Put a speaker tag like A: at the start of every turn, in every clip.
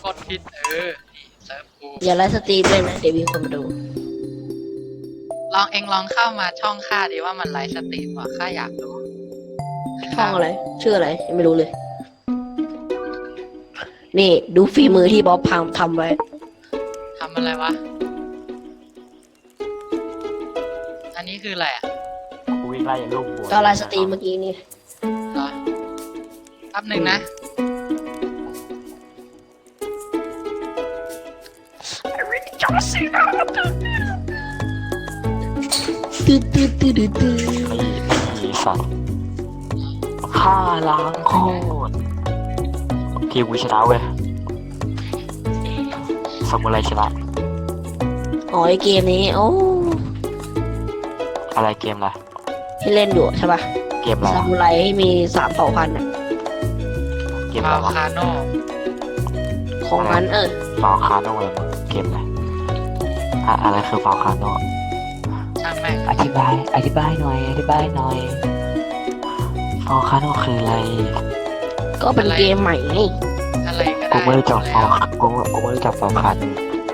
A: กดผิดนี่เซิร์ฟกู
B: อย่าไลฟ์สตรีมเลยนะเดี๋ยวมีคนมาดู
A: ลองเข้ามาช่องข้าดิว่ามันไลฟ์สตรีมว่ะข้าอยากรู้
B: ช่องอะไรชื่ออะไรยังไม่รู้เลยนี่ดูฝีมือที่บ๊อบพังทำไว้
A: ทำอะไรวะอันนี้คืออะไรอ่ะ
C: กูวิ่งไล่ลูกบัว
B: ก็ไลฟ์สตรีมเมื่อกี้นี่
A: เหรอแป๊บหนึ่งนะ
B: ตื้อตื้อตื้อตื้อตื้อ
C: มีสัตว์ฆ่าล้างโคตรทีมกูชนะเว้ยซามูไรชนะ
B: อ๋อไอเกมนี้โอ้
C: อะไรเกมอะไร
B: ที่เล่นอยู่ใช่ป่ะ
C: เกมอะไร
B: ซามูไรมี3,000อ่ะ
C: เกมอะไรวะ
A: คาโน
B: ของมัน
C: ฟาวคาโน่อะไรเกมอะไรอะไรคือฟาวคาโน่
A: ช่างแม่ง
C: อธิบายหน่อยฟาวคาโน่คืออะไร
B: ก็เป็นเกมใหม่ไง
A: อะไรก็ได้
C: กูไม่รู้จักฟาวกูไม่รู้จักฟาวคาโน่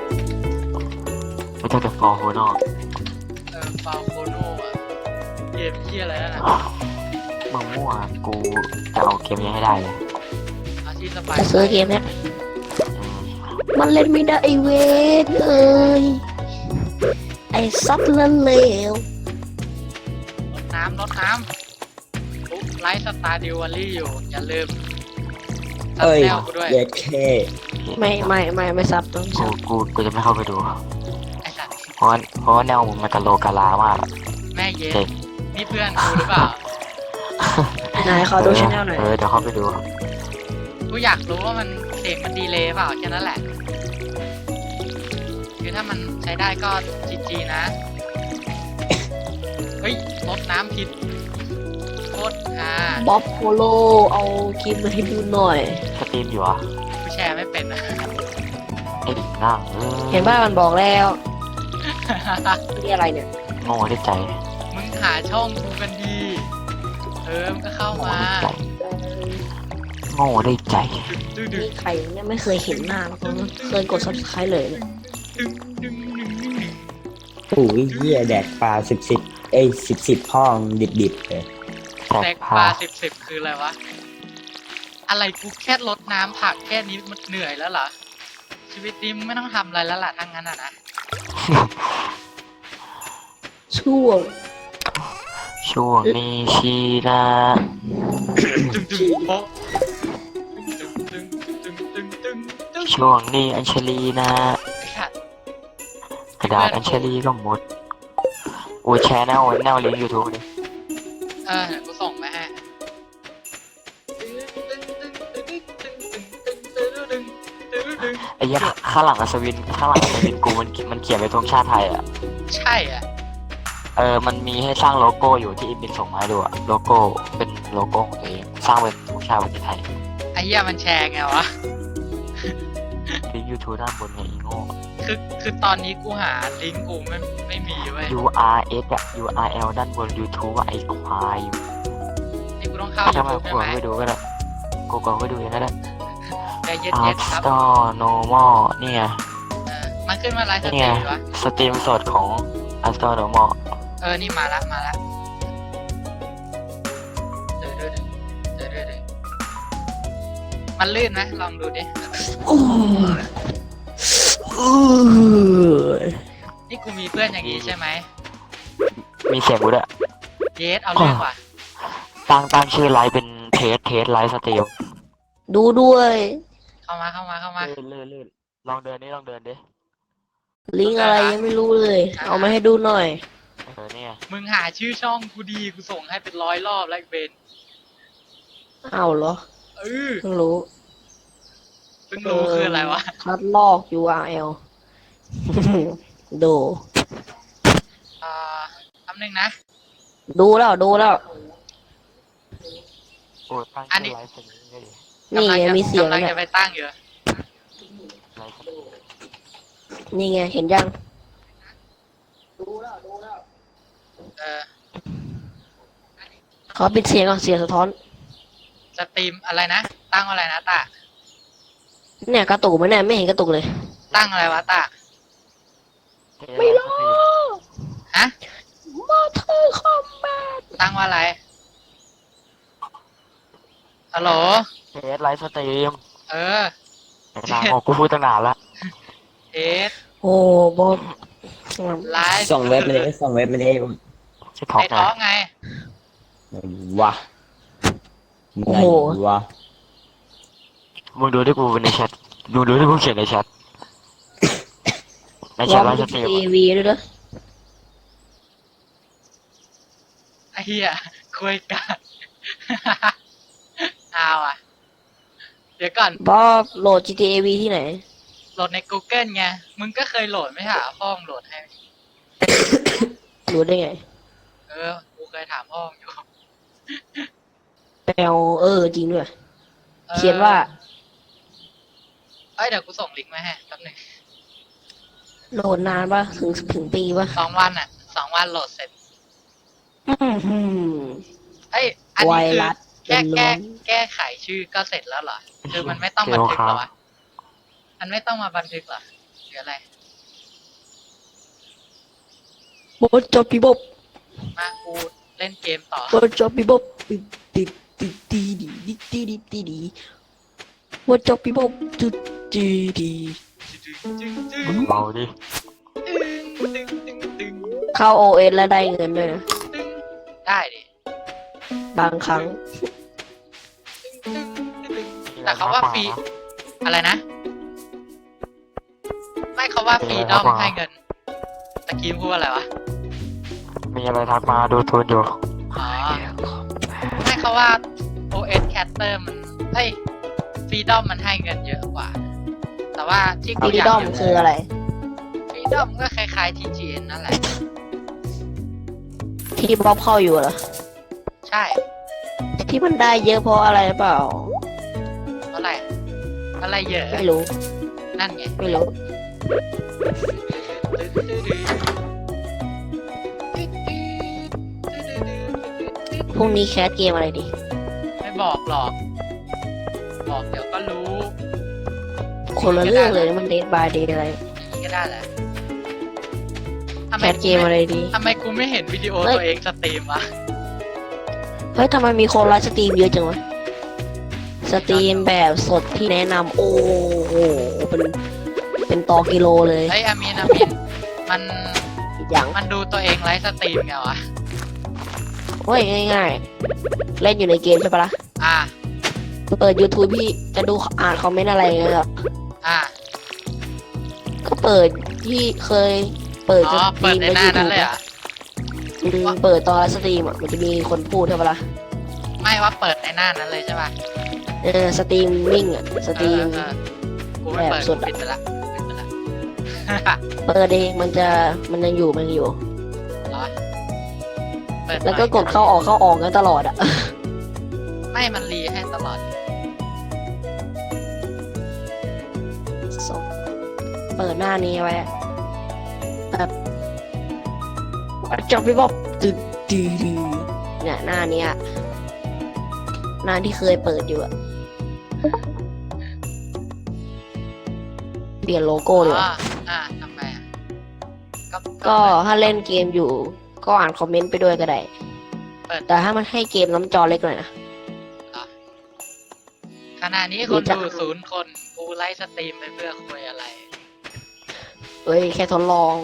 C: ไม่รู้จักแต่ฟาวโฮโน่
A: ฟาวโคโนอ่ะเกมเหี้ยอะไรนั่นน่ะ
C: มึงมั่วกูจะเอาเกมนี้ให้ได้เลย
A: เอาที่สบาย
B: จะซื้อเกมเนี้ยมันเล่นไม่ได้ไอเวนไอซับละเลว
A: รดน้ำปุ๊บไลฟ์สตาร์ดิวอลลี่อยู่อย่าลืมซับแนวกูด้วย
D: เย็ดเค
B: ไม่ซับต้องซับ
C: กูจะไม่เข้าไปดู
A: ไอ้สัตว์
C: เพราะว่าแนวมันกะโลกะลามาก
A: แม่เย็นนี่เพื่อนกูหรือเปล่า
B: ไหนขอดูช่องหน่อย
C: เดี๋ยวเข้าไปดู
A: กูอยากรู้ว่ามันเสียงมันดีเลยเปล่าแค่นั้นแหละคือถ้ามันใช้ได้ก็จีนะเฮ้ยรดน้ำผิดโคตร
B: บ๊อบโพโลเอาคลิปมาให้ดูหน่อย
C: สตรีมอยู่อ่ะ
A: กูแชร์ไม่เป็นนะ
C: ไอ้นั่ง
B: เห็นป่ะมันบอกแล้วนี่อะไรเนี่ย
C: โง่ได้ใจ
A: มึงหาช่องกูกันดีมันก็เข้ามา
C: โง่ได้ใจ
B: นี่ใครเนี่ยไม่เคยเห็นหน้าเพราะเคยกด subscribe เลยเนี่ย
D: โอ้ยเหี้ยแดกปลาสิบพ่องดิบเลย
A: แดกปลาสิบคืออะไรวะอะไรกูแค่ลดน้ำผักแค่นี้มันเหนื่อยแล้วเหรอชีวิตนี้ไม่ต้องทำอะไรแล้วล่ะทั้งนั้นอ่ะนะ
B: ช่วง
C: นี้ชีนะช่วงนี้อัญชลีนะกระดาษอัญชลีก็หมดโอ้แชร์แนวลิงก์ยูทูบเลย
A: เดี๋ยวกูส่งไปให้
C: ไอ้ยักษ์ข้างหลังอัศวินกูมันเขียนเป็นธงชาติไทยอ่ะ
A: ใช่อ่ะ
C: มันมีให้สร้างโลโก้อยู่ที่อินบินส่งมาให้ดูอะโลโก้เป็นโลโก้ของตัวเองสร้างเป็นธงชาติประเทศไทย
A: ไอ้เหี้ยมันแชร์ไงวะ
C: ลิงก์ยูทูบด้านบนไงอีโง่
A: คือตอนนี้กูหาลิงก์กูไม่มีเว้ย
C: URS อะ URL ด้านบน YouTube ว่าไอ้ควาย
A: นี่กูต้องเข้า
C: ใช่ไหมกูไปดูก็ได้กูไปดูอย่างนั้นแหละ
A: ใจเย็นๆครับ
C: Store Normal เนี่ย
A: มันขึ้นมาไลฟ์สตรีมวะ
C: สตรีมสดของ Store Normal
A: นี่มาละมันลื่นนะลองดูดินี่กูมีเพื่อนอย่างนี้ใช่ไหม
C: มีเสียงกูด้วย
A: เยสเอาเรื่องว่ะ
C: ตั้งชื่อไลฟ์เป็นเทสไลฟ์สตรีม
B: ดูด้วย
A: เข้ามา
C: ลื่นลองเดินดิ
B: ลิงก์อะไรยังไม่รู้เลยเอามาให้ดูหน่อย
C: เนี่ย
A: มึงหาชื่อช่องกูดีกูส่งให้เป็น100 รอบแล้วเบน
B: เอาเหรอเพิ่งรู้
A: คืออะไรวะ
B: คัดลอก URL ดู
A: คำหนึ่งนะ
B: ดูแล้ว
A: อันนี้
B: นี่ไงมีเสียง
A: กำลังจะไปตั้งอยู่
B: นี่ไงเห็นยังดูแล้วขอปิดเสียงก่อนเสียงสะท้อน
A: สตรีมอะไรนะตั้งอะไรนะตา
B: เนี่ยกระตุกไหมเนี่ยไม่เห็นกระตุกเลย
A: ตั้งอะไรวะตา
B: ไม่รู้
A: ฮะ
B: มอเตอร์คอมแบท
A: ตั้งว่าอะไรฮัลโหล
C: เทสไลฟ์สตรีม
A: เออ
C: ไอ้นางบอกกูพูดตั้งนานละ
A: เอส
B: โอ้บอส
A: ไลฟ์
D: ส่งเว็บมาเลยส่งเว็บมาเลย
C: ชื่อท็อป
A: ใน
C: ไง
A: ท้องไง
D: วะไหนวะ
C: มึงดูที่กูในแชทมึงดูที่กูเขียนในแชทในแช
B: ลอ
C: ท
B: ง
C: ไล
B: ดู
C: ฟ์สตรีม
B: ทีวีด้วยเด้อ
A: ไอ้เหี้ยคุยกัน เอาอ่ะ เดี๋ยวก่อน
B: บอสโหลด GTA V ที่ไหน
A: โหลดใน Google ไง มึงก็เคยโหลดไม่ใช่เหรอพ่อมึงโหลดให้
B: รู้ได้ไง
A: เออ กูเคยถามพ่อมึงอยู่
B: แปลจริงด้วย
A: ออ
B: เขียนว่า
A: เอ้ยเดี๋ยวกูส่งลิงก์มาให้แป๊บหนึง
B: โหลดนานปะถึงปีปะ
A: 2 วันอ่ะ2 วันโหลดเสร็จ
B: อื้อหือ
A: เอ้ย อัน
B: ไว
A: นี้คือ
B: รัส
A: แก้
B: ล้วน
A: แก้ไขชื่อก็เสร็จแล้วเหรอ คือมันไม่ต้องบันทึกเหรอวะ มันไม่ต้องมาบันทึกเหรอหรืออะไร
B: บอสจอปีบบ
A: มากูเล่นเกมต่อ
B: บอสจอปีบบติดตีดีดิตีดีตีดีบอสจอปีบบจุดจีดี
C: มึงเบาดิ
B: เข้า OS แล้วได้เงินด้วยนะ
A: ได้ดิ
B: บางครั้ง
A: แต่เขาว่าฟรี อะไรนะ ไม่เขาว่าฟรีดอมให้เงินตะกี้พูดอะไรวะ
C: มีอะไรทักมาดูทูนอยู่
A: อ๋อ ไม่เขาว่า OS Caster มันเฮ้ยฟรีดอมมันให้เงินเยอะกว่า แต่ว่าที่
B: ฟ
A: กู
B: รี
A: อยาก
B: ดอมคืออะไร
A: ฟรีดอมก็คล้ายๆ TGN นั่นแหละ
B: ที่บ๊อบเข้าอยู่เหรอ
A: ใช่
B: ที่มันได้เยอะเพราะอะไรเปล่า
A: เท่าไหร่อะไรเยอะ
B: ไม่รู้
A: นั่นไง
B: ไม่รู้ พรุ่งนี้แคสเกมอะไรดี
A: ไม่บอกหรอก บอกเดี๋ยวก็รู้
B: คนละเรื่องเลยมันเดทบายเดทอะไร
A: อย่างนี้ก็ได้แหละทำ
B: แค
A: ไม
B: สเกมอะไรดี
A: ทำไมกูไม่เห็นวิดีโอ
B: เฮ้ย
A: ตัวเองสตรีมวะ
B: เฮ้ยทำไมมีคนไลฟ์สตรีมเยอะจังวะ สตรีมแบบสดที่แนะนำโอ้โหเป็นต่อกิโลเลย
A: เฮ้ยอามินมัน
B: อย่าง
A: มันดูตัวเองไลฟ์สตรีมไงวะ
B: เฮ้ยง่ายๆ เล่นอยู่ในเกมใช่ปะล่ะ
A: อ่า
B: เปิด YouTube พี่จะดูอ่านคอมเมนต์อะไรเงี้ยครับ
A: อ่า
B: ก็เปิดที่เคยเปิด
A: อ๋อ เปิดในหน้านั้นเลยเหรอ่ะ
B: เปิดตอนไลฟ์สตรีมอ่ะมันจะมีคนพูดใช่ปะล่ะ
A: ไม่ว่าเปิดในหน้านั้นเลยใช่ป่ะ
B: สตรีมมิ่งอ่ะสตรีม
A: เออกูไม่เปิด
B: แบบส
A: กู
B: ดอะ
A: ปิดไปละปิดไปละ
B: เปิดเองมันยังอยู่
A: เหรอเปิด
B: แล้วก็
A: หน่อย
B: กดเข้าออกกันตลอดอ่ะ
A: ไม่มันรีให้ตลอด
B: เปิดหน้านี้ไว้อะแบบจบไปบอกตึ๊ดดีเนี่ยหน้านี้อะหน้าที่เคยเปิดอยู่อะเปลี่ยนโลโก้เลย
A: อ๋อทำไมอ่ะ
B: ก็ถ้าเล่นเกมอยู่ ก็อ่านคอมเมนต์ไปด้วยก็ได้
A: เปิด
B: แต่ถ้ามันให้เกมน้ำจอเล็กหน่อยนะ
A: ขณะนี้คนดู0 คนกูไลฟ์สตรีมไปเพื่อคุยอะไร
B: เอ้ยแค่ทดลอง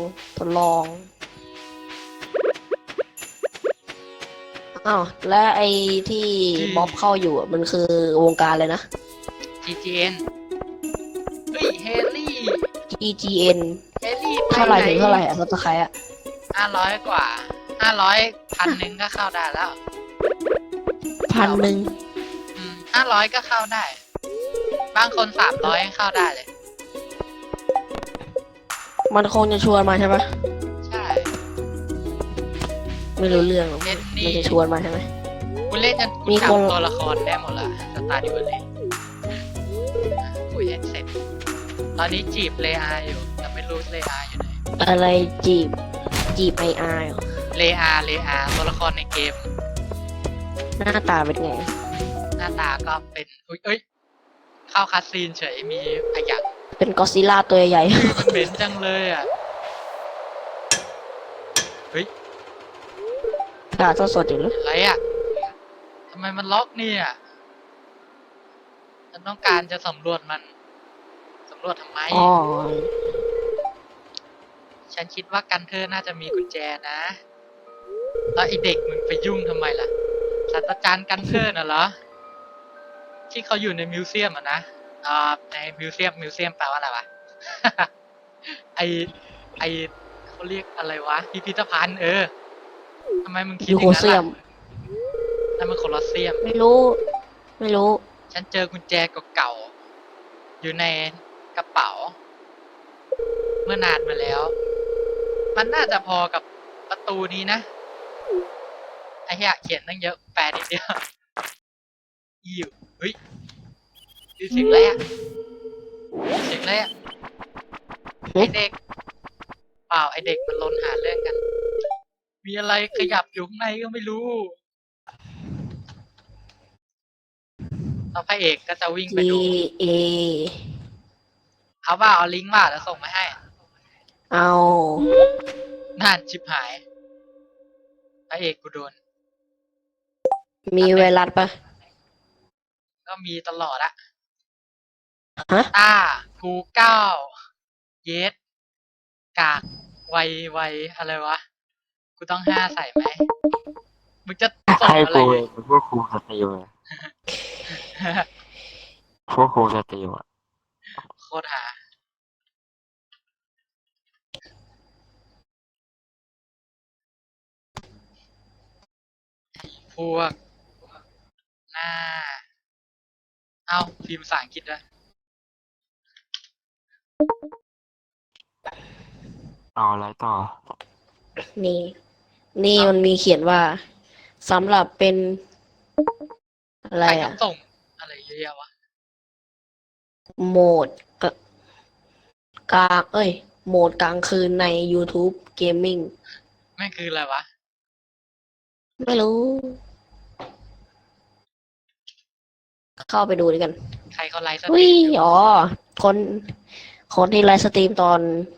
B: อ้าวและไอ้ที่บ๊อบเข้าอยู่อะมันคือวงการเลยนะ
A: TGN เฮ้ยเฮลี่
B: GGN
A: เฮลี่
B: เท่าไหร่ถึงเท่าไหร่อะสักใครอะ
A: 500 กว่า 500 1,000ก็เข้าได้แล้ว
B: 1,000
A: 500 ก็เข้าได้ บางคน300เข้าได้เลย
B: มันคงจะชวนมาใช่ปะ
A: ใช่
B: ไม่รู้เรื่องหรอก
A: เล่น
B: มัน
A: นี่
B: จะชวนมาใช่ไหม
A: กูเล่นจน
B: มี
A: กู
B: คน
A: จำตัวละครได้หมดละสตาร์ดิวเลยคุยให้เสร็จ ตอนนี้จีบเลอาอยู่แต่ไม่รู้เลอาอยู่ไหน
B: อะไรจีบไออาร์
A: เลอาตัวละครในเกม
B: หน้าตาเป็นไง
A: หน้าตาก็เป็นอุ้ยเอ้ยเข้าคัสซีนเฉยมีขยะ
B: เป็นกอซิลล่าตัวใหญ่
A: มันเหม็นจังเลยอ่ะ เฮ้ย
B: ๆ ด่าสดๆอยู่เลย
A: อะไรอ่ะทำไมมันล็อกเนี่ยฉันต้องการจะสำรวจมันสำรวจทำไม
B: อ๋อ
A: ฉันคิดว่ากันเธอน่าจะมีกุญแจนะแล้วไอเด็กมึงไปยุ่งทำไมล่ะศาสตราจารย์กันเธอน่ะเหรอที่เขาอยู่ในมิวเซียมอะนะในมิวเซียมแปลว่าอะไรวะ ไอไอเขาเรียกอะไรวะพิพิธภัณฑ์ทำไมมึงคิด
B: ยู
A: อ
B: โค
A: ย่างนั้น
B: เซีย
A: ล่ะ
B: ม
A: นั่นมันโคลอสเซียม
B: ไม่รู้ ไม่รู้
A: ฉันเจอกุญแจเก่าๆอยู่ในกระเป๋า เมื่อนานมาแล้ว มันน่าจะพอกับประตูนี้นะ ไอ้เหี้ยเขียนตั้งเยอะแปลนิดเดียวอิวเฮ้ยดูเสียงอะไรอะเสียงอะไรอะไอเด็ก เปล่าไอเด็กมันลนหาเรื่องกัน มีอะไรขยับอยู่ข้างในก็ไม่รู้แล้วพระเอกก็จะวิ่ง
B: G
A: ไปดู
B: A
A: เอาว่าเอาลิงก์ว่าแล้วส่งมาให้
B: เอา
A: น่านชิบหาย พระเอกกูโดน
B: มีไวรัสปะ
A: ก็มีตลอดอะ
B: ฮะ
A: ต้ากูเก้าเยสกากไวอะไรวะ กูต้อง5ใส่ไหม มึงจะส่ง
C: ให้
A: อะไร
C: กูเองพวกครูสติลอะพวกครูสติลอะ
A: โคตรหา พวก หน้า เอาพิมพ์ภาษาอังกฤษด้วย
C: เอาอะไรต่อ
B: นี่ นี่มันมีเขียนว่าสำหรับเป็น อะไร
A: ใคร
B: อะ
A: ต้องส่ง อะไรเยอะแยะวะ
B: โหมดกลางโหมดกลางคืนใน YouTube Gaming
A: แม่งคืออะไรวะ
B: ไม่รู้ เข้าไปดูด้วยกัน
A: ใครเขาไลฟ์สต
B: อุ้
A: รี
B: ย
A: มอยู่
B: อ๋อ คนที่ไลฟ์สตรีมตอน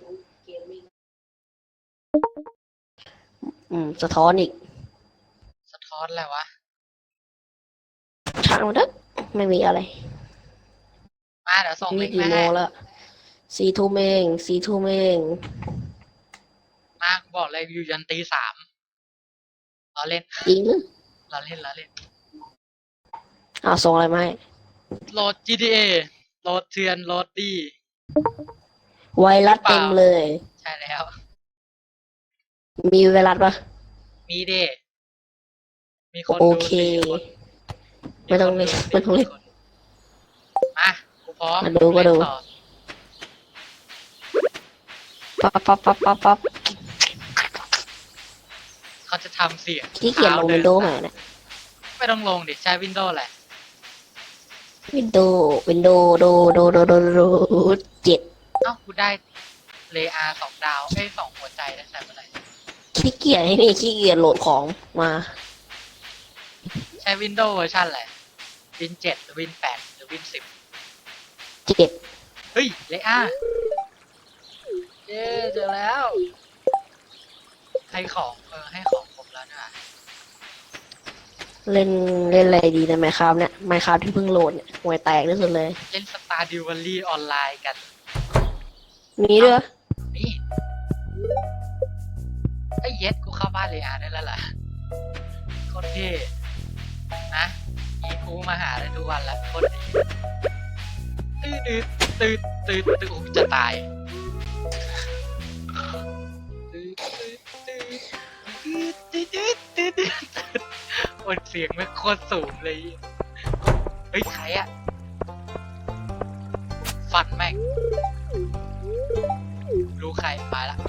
B: สะท้อนอีก
A: สะท้อนอะไรวะ
B: ช่างมันเถอะไม่มีอะไร
A: มาเดี๋ยวส่งลิ
B: นี่
A: งก์
B: กี่
A: มา
B: โม
A: ให้
B: งแล้ว4 ทุ่มเอง4 ทุ่มเอง
A: มาบอกเลยอยู่ยันตี 3เราเล่น
B: จริงหรือ
A: เราเล่น
B: ส่งอะไรมาให้
A: โหลด GTA โหลดเถื่อนโหลดดี
B: ไวรัสเต็มเลย
A: ใช่แล้ว
B: มีไวรัสปะ
A: มีเดมีคน
B: โอ
A: ดู
B: เค
A: 4 คน
B: ไม่ต้องเล่นไม่ต้องเล่น
A: มากูพร้อม
B: มาดูก็ดู
A: เล่นต่อ
B: ปั๊บ
A: เขาจะทำเสียง
B: ที่เขียนลง
A: ท้า
B: วินโดว์หน่อยนะ
A: ไม่ต้องลงดิใช้ Windows แหละ
B: วินโดว์โด7
A: เอ้ากูได้เลอา2 ดาว2 หัวใจได้ใส่เมื่อไหร่
B: ขี้เกียจให้นี่ขี้เกียจโหลดของมา
A: ใช้ Windows เวอร์ชันอะไร Win 7 หรือ Win 8 หรือ Win 10
B: 7
A: เฮ้ยเลอาเย้เจอแล้ว ให้ของให้ของผมแล้วนะ
B: เล่นอะไรดีนะไมค์ครับเนี่ยไมค์ครับที่เพิ่งโหลดเนี่ยห่วยแตกที่สุดเลย
A: เล่น Stardew Valley ออนไลน์กัน
B: มีด้วย
A: นี่ไอ้เย็ดกูเข้าบ้านเลอาได้แล้วล่ะโคตรเท่นะอีกูมาหาได้ทุกวันละโคตรดีตื่นโอ้จะตายโอ้เสียงไม่โคตรสูงเลยเฮ้ยใครอะฟันแม่งรู้ใครมาละ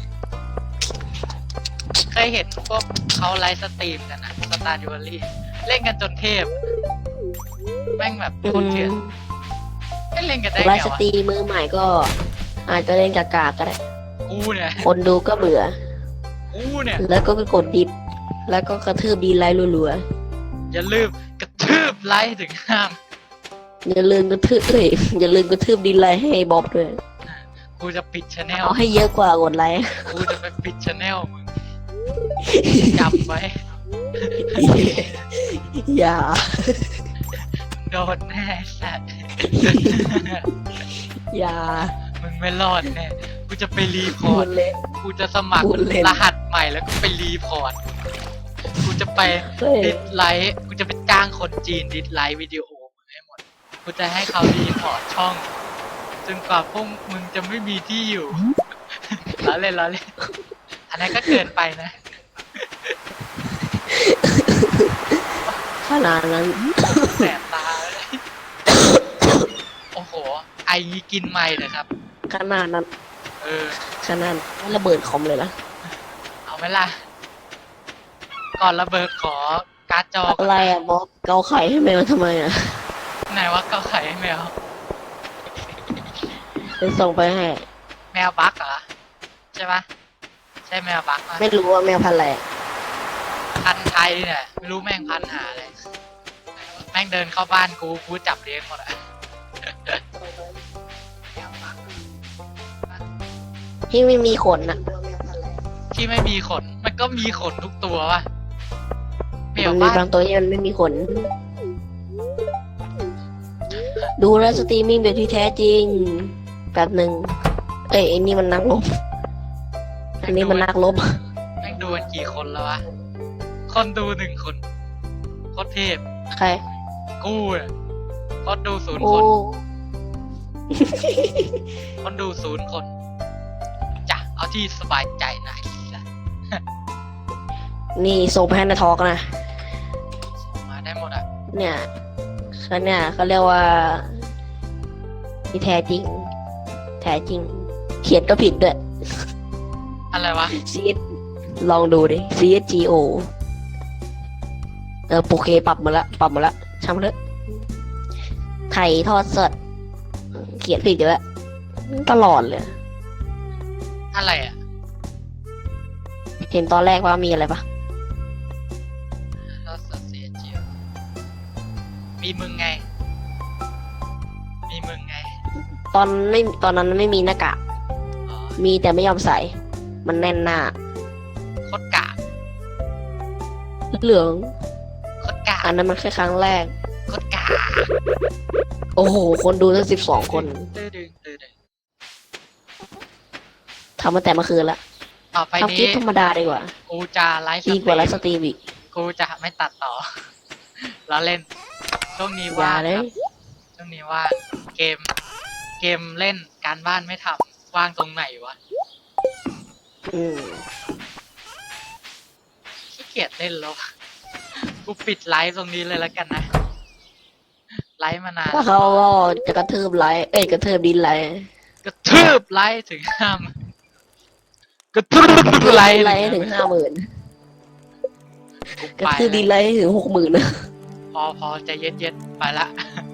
A: เคยเห็นพวกเขาไลฟ์สตรีมกันนะสตาร์ดิวอรี่เล่นกันจนเทพ แม่งแบบโคตรเถื่อนไม่เล่นกันได้
B: ไล
A: ไง
B: ฟ์ส
A: วะ
B: ตรีมมือใหม่ก็ อาจจะเล่นกากๆก็ได้
A: กูเนี่ย
B: คนดูก็เบื่อ
A: กูเนี่ย
B: แล้วก็ไปกดดิสแล้วก็กระทืบดีไลค์รัว
A: อย่าลืมกระทืบไลค์ถึงห้าม
B: อย่าลืมกระทืบเอ้ยอย่าลืมกระทืบดินไลน์ให้บ๊อบด้วย
A: กูจะปิดชแนล
B: เอาให้เยอะกว่ากดไลค์
A: กูจะไปปิดชแนลมึงจำไว้
B: อย่า
A: โดนแน่สัตว์
B: อย่า
A: มึงไม่รอดแน่กูจะไปรีพ
B: พู
A: อร์ต
B: ดเล่น
A: กูจะสมัคร
B: พูดเล่น
A: รหัสใหม่แล้วก็ไปรีพอร์ตกูจะไป
B: เฮ้ย
A: ดิสไลค์กูจะไปจ้างคนจีนดิสไลค์วิดีโอมึงให้หมดกูจะให้เขารีพอร์ตช่องจนกว่าพวกมึงจะไม่มีที่อยู่ ล้อเล่นอันนั้นก็เกินไปนะ
B: ขนาดนั้น
A: แสบตาเลย โอ้โห ไอนี้กินไม่เลยครับ
B: ขนาดนั้น
A: เออ
B: ขนาดไม่ระเบิดคอมเลยนะ
A: เอาไหมล่ะ ก่อนระเบิดขอการ์ดจอก่
B: อะ
A: อน
B: ไรอ่ะบ๊อบเกาไข่ให้แมวทำไมอ่ะ
A: ไหนว่าเกาไข่ให้แมว
B: จะส่งไปให้
A: แมวบั๊กเหรอ ใช่ปะใช่แมวบั๊กปะ
B: ไม่รู้ว่าแมวพันธุ์อะไรอะ
A: พันธุ์ไทยเนี่ยไม่รู้แม่งพันธุ์หาอะไรแม่งเดินเข้าบ้านกูจับเลี้ยงหมดอะ
B: ที่ไม่มีขนอ่ะ
A: ที่ไม่มีขน มันก็มีขนทุกตัววะแม
B: มั
A: วน
B: มี
A: บ้าน
B: บางตัวที่มันไม่มีขน ดูแลวสตรีมมิ่งแบบที่แท้จริงแบบหนึ่งเอ้ยไอ้นี่มันนักรบอันนี้มันนักรบ
A: แม่งดูกันกี่คนแล้ววะ คนดู1 คนโคตรเทพ
B: ใคร
A: กูเนี่ยคนดู0
B: โอ้
A: คน คนดู0 คนจ้ะเอาที่สบายใจหน่อยละ
B: นี่ส่งไปให้นาทอกนะ
A: ส่งมาได้หมดอ่ะ
B: เนี่ยเขาเรียกว่าที่แท้จริง แท้จริง เขียนก็ผิดด้วย
A: อะไรวะ
B: CS ลองดูดิ CSGO โอเคปรับมาละช่างมันเถอะไถ่ทอดสด เขียนผิดอยู่แล้วตลอดเลย
A: อะไรอ่ะ
B: เห็นตอนแรกว่ามีอะไรปะ
A: เราเสียเจียวมีมึงไง
B: ตอนนั้นไม่มีหน้ากาก
A: อ๋อ
B: มีแต่ไม่ยอมใส่ มันแน่นหน้า
A: โคตรกาก
B: เหลือง
A: โคตรกาก
B: อันนั้นมันแค่ครั้งแรก
A: โคตรกาก
B: โอ้โห คนดูตั้ง12 คน
A: ตื้อดึง
B: ทำมาแต่เมื่อคืนละ
A: ต่อไป
B: ทำคลิ
A: นี้
B: ปธรรมดาดีกว่า
A: กูจะไลฟ์
B: ดีกว่าไลฟ์สตรีมอีก
A: กูจะไม่ตัดต่อ แล้วเล่น ช่วงนี้
B: อย่า
A: ว่าง
B: เล
A: ค
B: ย
A: รับช่วงนี้ว่างเกมเล่นการบ้านไม่ทำว่างตรงไหนวะ
B: อืม
A: ขี้เกียจเล่นแล้ว กูปิดไลฟ์ตรงนี้เลยแล้วกันนะ ไลฟ์มานาน
B: ถ้าเขาก็จะกระทืบไลค์กระทืบดินไลค์
A: กระทืบไลฟ์ถึงกระทืบไลฟ์
B: ไลค์ถึง50,000
A: กู
B: กระ
A: ไป
B: ทืบดิน
A: แล้ว
B: ไลค์ถึง60,000นะ
A: พอใจเย็นๆไปละ